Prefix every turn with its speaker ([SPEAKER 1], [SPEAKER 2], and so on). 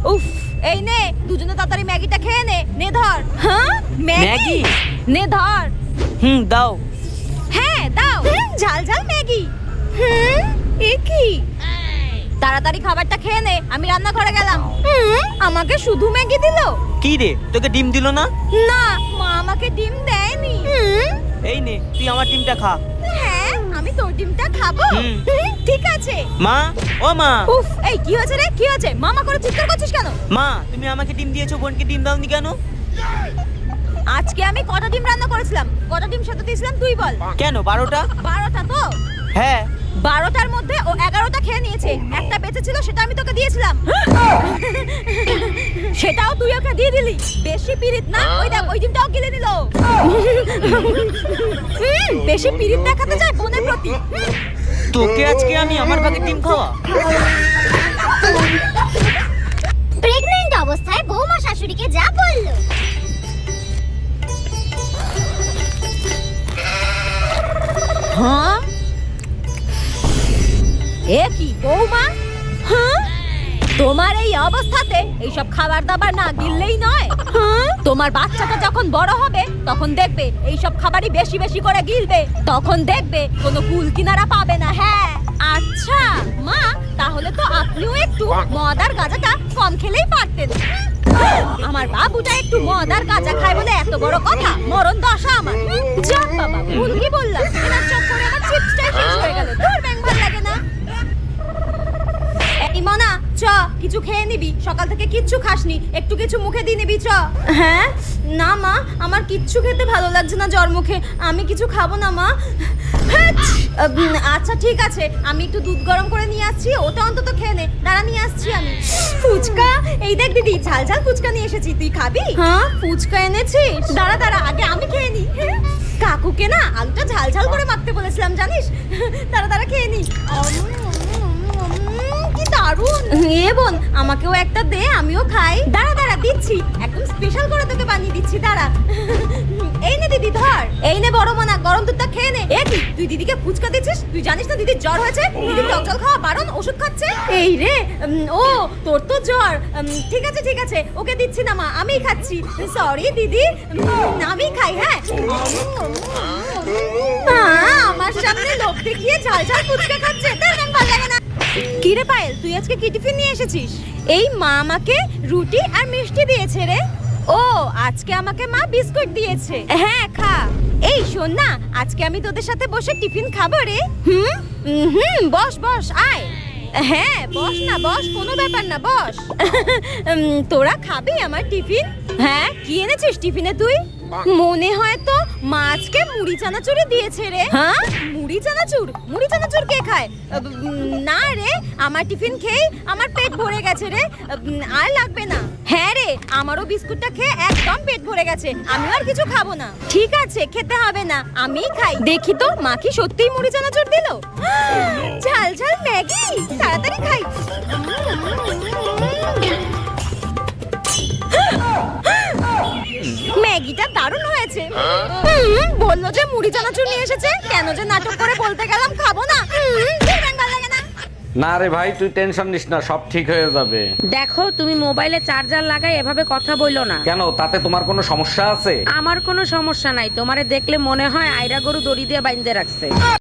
[SPEAKER 1] উফ, এই নে দুজনে তাড়াতাড়ি ম্যাগিটা খেয়ে নে। নে ধর। হ্যাঁ ম্যাগি, নে ধর।
[SPEAKER 2] দাও।
[SPEAKER 1] হ্যাঁ দাও। ঝাল ঝাল ম্যাগি। এ কি? তাড়াতাড়ি খাবারটা খেয়ে নে, আমি রান্নাঘরে গেলাম। আমাকে শুধু ম্যাগি দিলো?
[SPEAKER 2] কি রে, তোকে ডিম দিল না?
[SPEAKER 1] না, মা আমাকে ডিম দেয়নি।
[SPEAKER 2] এই নে, তুই আমার ডিমটা খা।
[SPEAKER 1] হ্যাঁ, আমি তোর ডিমটা খাবো। ঠিক আছে।
[SPEAKER 2] মা, ও মা।
[SPEAKER 1] উফ, এই কি হয়েছে রে? কি হয়েছে? মামা করে চিৎকার করছিস কেন?
[SPEAKER 2] মা, তুমি আমাকে ডিম দিয়েছো, বোনকে ডিম দাওনি কেন?
[SPEAKER 1] আজকে আমি কটা ডিম রান্না করেছিলাম? কটা ডিম সেদ্ধ দিয়েছিলাম তুই বল?
[SPEAKER 2] কেন 12টা?
[SPEAKER 1] 12টা তো?
[SPEAKER 2] হ্যাঁ।
[SPEAKER 1] 12টার মধ্যে ও 11টা খেয়ে নিয়েছে। একটা বেঁচে ছিল, সেটা আমি তোকে দিয়েছিলাম। সেটাও তুই ওকে দিয়ে দিলি। বেশি পিরিত না? ওই দেখ, ওই ডিমটাও গিলে নিল। বেশি পিরিত দেখাতে চায় বোনের প্রতি।
[SPEAKER 2] তোকে আজকে আমি আমার ভাগের ডিম খাওয়া।
[SPEAKER 3] প্রেগন্যান্ট অবস্থায় বৌমা শাশুড়িকে যা বলল।
[SPEAKER 1] হ্যাঁ? এ কি বৌমা? হ্যাঁ? তোমার এই অবস্থাতে এইসব খাবার দাবার না গিললেই নয়। হ্যাঁ? তোমার বাচ্চাটা যখন বড় হবে তখন দেখবে এইসব খাবারই বেশি বেশি করে গিলবে। তখন দেখবে কোনো কুল কিনারা পাবে না। হ্যাঁ। আচ্ছা মা, তাহলে তো আপনিও একটু মদ আর গাঁজাটা কম খেলেই পারতেন। আমার বাবুটা একটু মদ আর গাঁজা খায় বলে এত বড় কথা? মরণ দশা আমার। যাক বাবা, ভুল কি বললাম? এনার চক্করে আমার চিপসটাই শেষ হয়ে গেল। তোর ব্যাং ভালো লাগে না? এই মনা, চ কিছু খেয়ে নিবি। সকাল থেকে কিচ্ছু খাসনি, একটু কিছু মুখে দিয়ে নিবি। চ। হ্যাঁ না মা, আমার কিচ্ছু খেতে ভালো লাগছে না জ্বর মুখে। আমি কিছু খাবো না মা। আচ্ছা ঠিক আছে, আমি একটু দুধ গরম করে নিয়ে আসছি, ওটা অন্তত খেয়ে নে। দাঁড়া, নিয়ে আসছি আমি। ফুচকা? এই দেখ দিদি, ঝাল ঝাল ফুচকা নিয়ে এসেছি, তুই খাবি? হ্যাঁ, ফুচকা এনেছিস? দাঁড়া দাঁড়া, আগে আমি খেয়ে নি। কাকুকে না আলুটা ঝাল ঝাল করে মাখতে বলেছিলাম জানিস। দাঁড়া দাঁড়া, খেয়ে নি। কি দারুণ। এ বোন, আমাকেও একটা দে, আমিও খাই। দাঁড়া দাঁড়া, দিচ্ছি, একদম স্পেশাল করে তোকে বানিয়ে দিচ্ছি, দাঁড়া। এই নে দিদি, ধর। এই নে বড় মনা, গরম দুধটা খেয়ে নে। এ কি, তুই দিদিকে ফুচকা দিচ্ছিস? তুই জানিস না দিদির জ্বর হয়েছে? দিদি টক জল খাওয়া বারণ, ওষুধ খাচ্ছে। এই রে, ও তোর তো জ্বর। ঠিক আছে ঠিক আছে, ওকে দিচ্ছি না মা, আমিই খাচ্ছি। সরি দিদি, আমি খাই। হ্যাঁ, আমার সামনে লোভ দেখিয়ে ঝাল ঝাল ফুচকা খাচ্ছে, তার ভালো লাগে না। কি রে পায়েল, তুই আজকে কি টিফিন নিয়ে এসেছিস? এই মা আমাকে রুটি আর মিষ্টি দিয়েছে রে। ও, আজকে আমাকে মা বিস্কুট দিয়েছে। হ্যাঁ খা। এই শোন না, আজকে আমি তোদের সাথে বসে টিফিন খাবো রে। বস বস, আয়। হ্যাঁ বস না, বস, কোনো ব্যাপার না, বস। তোরা খাবি আমার টিফিন? হ্যাঁ, কি এনেছিস টিফিনে তুই? মনে হয় তো মা আজকে মুড়ি চানাচুরি দিয়েছে রে। হ্যাঁ, মুড়ি চানাচুর? মুড়ি চানাচুর কে খায়? না রে, আমার টিফিন খেয়ে আমার পেট ভরে গেছে রে, আর লাগবে না। হ্যাঁ রে, আমারও বিস্কুটটা খেয়ে একদম পেট ভরে গেছে, আমি আর কিছু খাবো না। ঠিক আছে, খেতে হবে না, আমিই খাই। দেখি তো মা কি সত্যিই মুড়ি চানাচুর দিল। ঝাল ঝাল ম্যাগি, তাড়াতাড়ি খাই। ম্যাগিটা দারুণ হয়েছে। বললো যে মুড়ি চানাচুর নিয়ে এসেছে, কেন যে নাটক করে বলতে গেলাম খাবো না। ভালো লাগে না।
[SPEAKER 4] না রে ভাই, তুই টেনশন নিস না, সব ঠিক হয়ে যাবে।
[SPEAKER 5] দেখো, তুমি মোবাইলে চার্জার লাগাই এভাবে কথা বইলো না।
[SPEAKER 4] কেন, তাতে তোমার কোনো সমস্যা আছে?
[SPEAKER 5] আমার কোনো সমস্যা নাই, তোমারে দেখলে মনে হয় আইরা গরু দড়ি দিয়ে বাইন্ধে রাখছে।